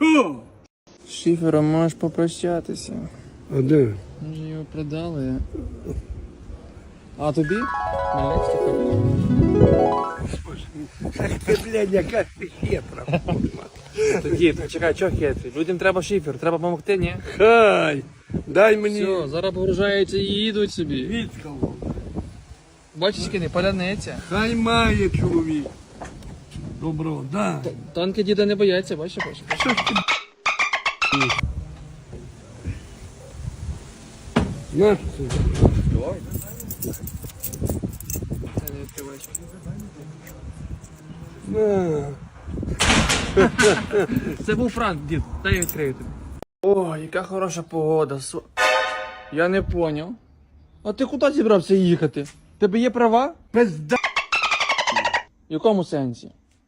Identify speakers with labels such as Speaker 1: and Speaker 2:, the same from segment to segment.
Speaker 1: Що?
Speaker 2: З шифером можеш попрощатися.
Speaker 1: А де?
Speaker 2: Ми ж його продали. А тобі? Хмельницький
Speaker 1: Ти, блядь, яка ти хитра.
Speaker 2: Тоді, чекай, чого хитрий? Людям треба шифер, треба допомогти, ні?
Speaker 1: Хай, дай мені
Speaker 2: Все, зараз погружаються і їдуть собі.
Speaker 1: відкалу.
Speaker 2: Бачиш, кини, паляниця.
Speaker 1: Хай має чоловік. Добро, да.
Speaker 2: Танки діда не бояться, бачиш?
Speaker 1: Що ж ти, Наш це?
Speaker 2: Це не відкриваєш.
Speaker 1: На.
Speaker 2: Це був Франк, дід, дай я відкрию тобі. О, яка хороша погода. Я не поняв. А ти куди зібрався їхати? Тебе є права?
Speaker 1: Пизда.
Speaker 2: В якому сенсі?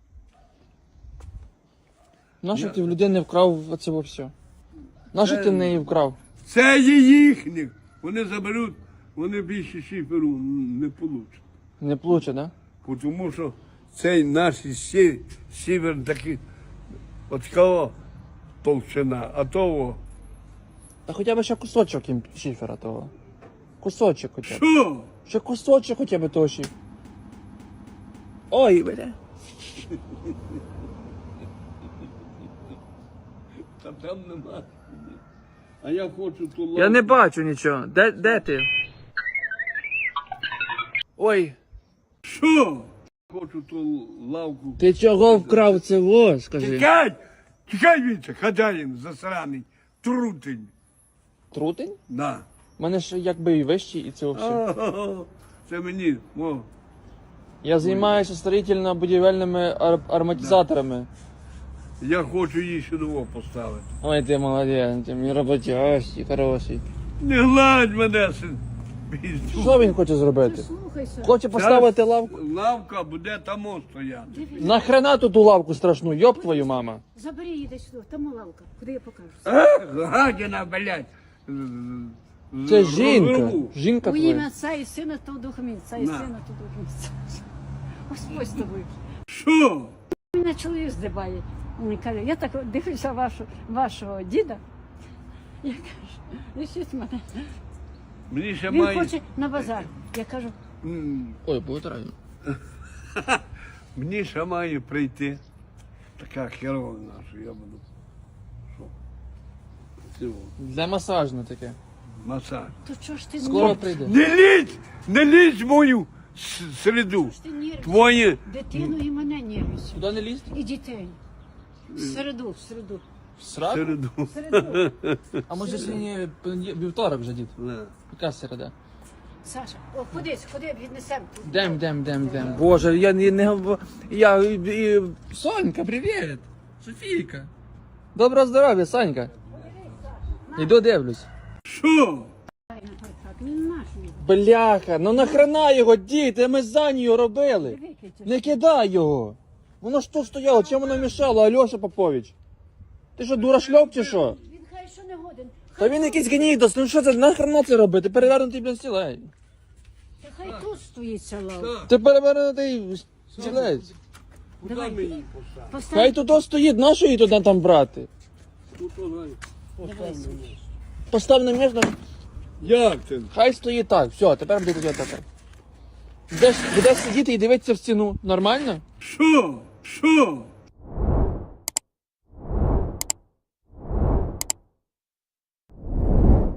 Speaker 2: Нащо ти в людини вкрав оце все? Нащо ти в неї вкрав?
Speaker 1: Це є їхніх. Вони заберуть, вони більше шиферу не получать.
Speaker 2: Не плуче, да?
Speaker 1: Тому що цей наш сівер такий, от кого толщина, а того.
Speaker 2: Та хоча б ще кусочок їм шифера того. Кусочок хоча б.
Speaker 1: Що?
Speaker 2: Ще кусочок хоча б того шифера. Ой, бля.
Speaker 1: Та там нема. А я хочу ту лавку.
Speaker 2: Я не бачу нічого. Де ти? Ой.
Speaker 1: Що? Хочу ту лавку.
Speaker 2: Ти чого вкрав це во, скажи?
Speaker 1: Тікай! Тікай віце, хазяїн засраний, трутень.
Speaker 2: Трутень?
Speaker 1: Да.
Speaker 2: У мене ж якби і вищий, і це все.
Speaker 1: Ага, це мені. О.
Speaker 2: Я займаюся строїтельно-будівельними ароматизаторами.
Speaker 1: Я хочу її сюди поставити.
Speaker 2: Ой, ти молодець, ти мій роботящий, хороший.
Speaker 1: Не гладь мене, син. Піздю.
Speaker 2: Що він хоче зробити?
Speaker 3: Слухайся.
Speaker 2: Хоче поставити лавку?
Speaker 1: Лавка буде там стояти.
Speaker 2: Нахрена тут ту лавку страшну, йоб твою мама.
Speaker 3: Забери її десь сюди, там лавка. Куди я покажу?
Speaker 1: Гадіна, блядь.
Speaker 2: Це жінка.
Speaker 1: Розрву.
Speaker 2: Жінка
Speaker 3: У ім'я
Speaker 2: твоя.
Speaker 3: Отця і Сина, то Духа Отця і
Speaker 1: На.
Speaker 3: Сина, то Духа Місця. Господь з тобою.
Speaker 1: Що?
Speaker 3: Мене чоловік здибає. Він каже, я так дивлюся вашого діда. Я кажу, лишіть мене.
Speaker 1: Мені ще
Speaker 3: Він
Speaker 1: має...
Speaker 3: хоче на базар. Я кажу,
Speaker 2: Ой, буде правильно.
Speaker 1: Мені ще має прийти така херова наша, я буду. Що? Цього.
Speaker 2: Для масажне таке.
Speaker 1: Масаж.
Speaker 3: то чого ж ти
Speaker 2: Скоро прийде.
Speaker 1: Не лізь в мою середу.
Speaker 3: Ти нервиш?
Speaker 1: Твоє.
Speaker 3: Дитину і мене нервиш.
Speaker 2: Туди не лізти?
Speaker 3: І дітей. В середу.
Speaker 2: В сраку?
Speaker 1: Середу.
Speaker 3: В середу.
Speaker 2: А може сьогодні вівторок вже, дід?
Speaker 1: Да.
Speaker 2: Яка середа?
Speaker 3: Саша, о, ходи, віднесемо.
Speaker 2: Дем. Боже, я не... Сонька, привіт! Софійка. Доброго здоров'я, Сонька. Іду дивлюсь.
Speaker 1: Що?
Speaker 3: Він наш.
Speaker 2: Бляха, ну нахрена його, діти, ми за нього робили. Не кидай його. Воно ж тут стояло, чим воно мішало, Альоша Попович? Ти що, дурашльоп чи що?
Speaker 3: Він хай що не годен.
Speaker 2: Та він якийсь гнідос, ну що це, нахрена це робити? Перевернутий, блін, стілець.
Speaker 3: Хай тут стоїть ця лавка.
Speaker 2: Ти перевернутий стілець.
Speaker 1: Куди
Speaker 3: Давай.
Speaker 1: ми її поставимо?
Speaker 2: Хай
Speaker 3: Постав.
Speaker 2: тут стоїть, нащо її туди там брати?
Speaker 1: Тут вона поставимо.
Speaker 2: Постав на місце,
Speaker 1: Як це?
Speaker 2: хай стоїть так, все, тепер буде тоді так. Будеш сидіти і дивитися в стіну, нормально?
Speaker 1: Що? Що?